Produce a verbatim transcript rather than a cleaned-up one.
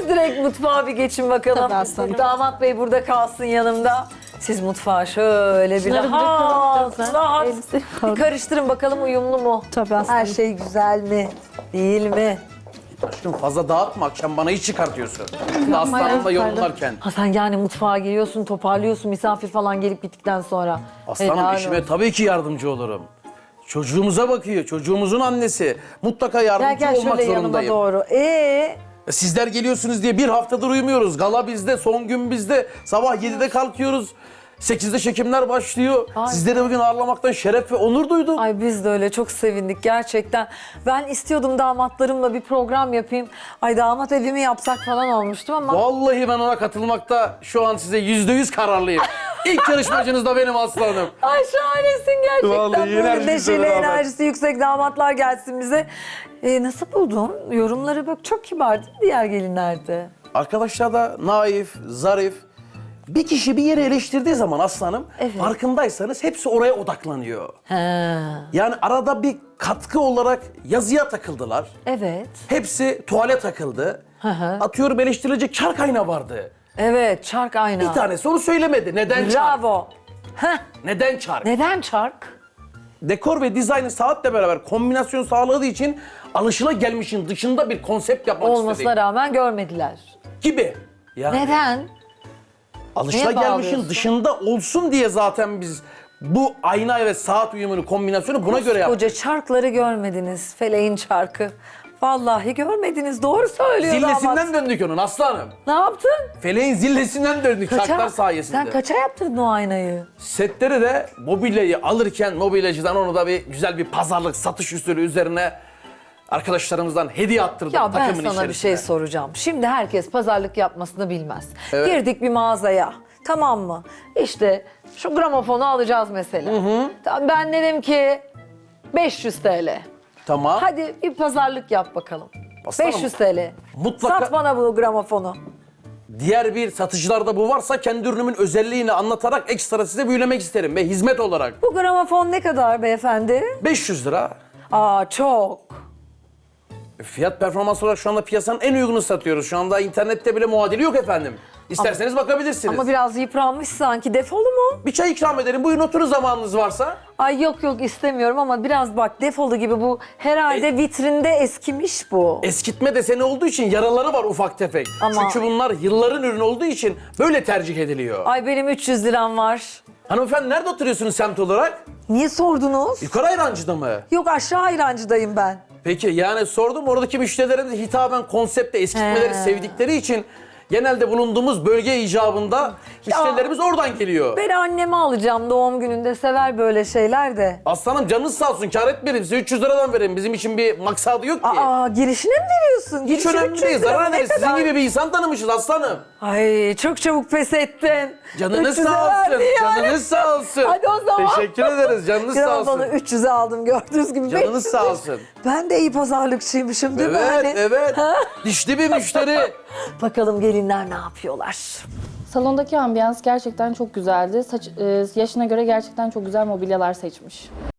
Siz direkt mutfağa bir geçin bakalım. Tabii aslanım. Damat bey burada kalsın yanımda. Siz mutfağa şöyle bir Şunları rahat, bırakalım. rahat Elbise bir falan. karıştırın bakalım uyumlu mu? Tabii aslanım. Her şey güzel mi? Değil mi? Aşkım fazla dağıtma, akşam bana iş çıkartıyorsun. Aslanımla yorumlarken. Ha sen yani mutfağa giriyorsun, toparlıyorsun misafir falan gelip gittikten sonra. Aslanım Helal işime olsun. tabii ki yardımcı olurum. Çocuğumuza bakıyor, çocuğumuzun annesi. Mutlaka Gel yardımcı gel olmak şöyle yanıma zorundayım. doğru. Ee, Sizler geliyorsunuz diye bir haftadır uyumuyoruz. Gala bizde, son gün bizde. Sabah yedide kalkıyoruz. sekizde çekimler başlıyor. Ay. Sizleri bugün ağırlamaktan şeref ve onur duydum. ay biz de öyle çok sevindik gerçekten. Ben istiyordum damatlarımla bir program yapayım. Ay damat evimi yapsak falan olmuştum ama. Vallahi ben ona katılmakta şu an size yüzde yüz kararlıyım. İlk yarışmacınız da benim aslanım. Ay şahanesin gerçekten. Vallahi Böyle enerjisi neşeli, beraber. enerjisi yüksek damatlar gelsin bize. Ee, nasıl buldun? Yorumları bak çok kibar değil mi diğer gelinlerde? Arkadaşlar da naif, zarif. Bir kişi bir yeri eleştirdiği zaman aslanım, Evet. farkındaysanız hepsi oraya odaklanıyor. He. Yani arada bir katkı olarak yazıya takıldılar. Evet. Hepsi tuvale takıldı. Hı hı. Atıyorum eleştirilecek çark ayna vardı. Evet, çark ayna. Bir tanesi onu söylemedi. Neden çark? Bravo. Heh. Neden çark? Neden çark? Dekor ve dizaynı saatle beraber kombinasyon sağladığı için alışılagelmişin dışında bir konsept yapmak Olmasına istedik. rağmen görmediler. Gibi. Yani Neden? Neye alışılagelmişin bağlıyorsun? dışında olsun diye zaten biz bu ayna ve saat uyumunu, kombinasyonu buna göre yaptık. Koca çarkları görmediniz. Feleğin çarkı. Vallahi görmediniz. Doğru söylüyor damat. Zillesinden döndük onun aslanım. Ne yaptın? Feleğin zillesinden döndük çarklar sayesinde. Sen kaça yaptırdın o aynayı? Setleri de mobilyayı alırken mobilyacıdan onu da bir güzel bir pazarlık satış usulü üzerine arkadaşlarımızdan hediye attırdık Ya ben takımın sana içerisine. bir şey soracağım. Şimdi herkes pazarlık yapmasını bilmez. Evet. Girdik bir mağazaya. Tamam mı? İşte şu gramofonu alacağız mesela. Tamam, ben dedim ki beş yüz TL. Tamam. Hadi bir pazarlık yap bakalım. Aslanım, beş yüz TL. mutlaka- Sat bana bu gramofonu. Diğer bir satıcılarda bu varsa kendi ürünümün özelliğini anlatarak ekstra size büyülemek isterim ve hizmet olarak. Bu gramofon ne kadar beyefendi? beş yüz lira. Aa çok. Fiyat performans olarak şu anda piyasanın en uygunu satıyoruz. Şu anda internette bile muadili yok efendim. İsterseniz bakabilirsiniz. Ama biraz yıpranmış sanki. Defolu mu? Bir çay ikram ederim. Buyurun oturun zamanınız varsa. Ay yok yok istemiyorum ama biraz bak defolu gibi bu herhalde vitrinde eskimiş bu. Eskitme deseni olduğu için yaraları var ufak tefek. Ama- Çünkü bunlar yılların ürünü olduğu için böyle tercih ediliyor. Ay benim üç yüz liram var. Hanımefendi nerede oturuyorsunuz semt olarak? Niye sordunuz? Yukarı Ayrancı'da mı? Yok aşağı ayrancıdayım ben. Peki yani sordum oradaki müşterilerin de hitaben konsepte eskitmeleri He. sevdikleri için genelde bulunduğumuz bölge icabında müşterilerimiz oradan geliyor. Ben anneme alacağım doğum gününde sever böyle şeyler de. Aslanım canınız sağ olsun kâr etmeyelim size üç yüz liradan verin bizim için bir maksadı yok ki. Aa girişine mi veriyorsun? Hiç Girişi önemli üç yüz değil lira zarar ne ederiz sizin kadar? gibi bir insan tanımışız aslanım. Ay çok çabuk pes ettin. Canınız üç yüze sağ olsun verdi yani. canınız sağ olsun. Hadi o zaman. Teşekkür ederiz canınız sağ olsun. Gramofonu üç yüze aldım gördüğünüz gibi. Canınız beş yüz. sağ olsun. Ben de iyi pazarlıkçıymışım değil mi? Evet Hani? evet Ha? dişli bir müşteri. Bakalım gelinler ne yapıyorlar? Salondaki ambiyans gerçekten çok güzeldi. Saç, e, yaşına göre gerçekten çok güzel mobilyalar seçmiş.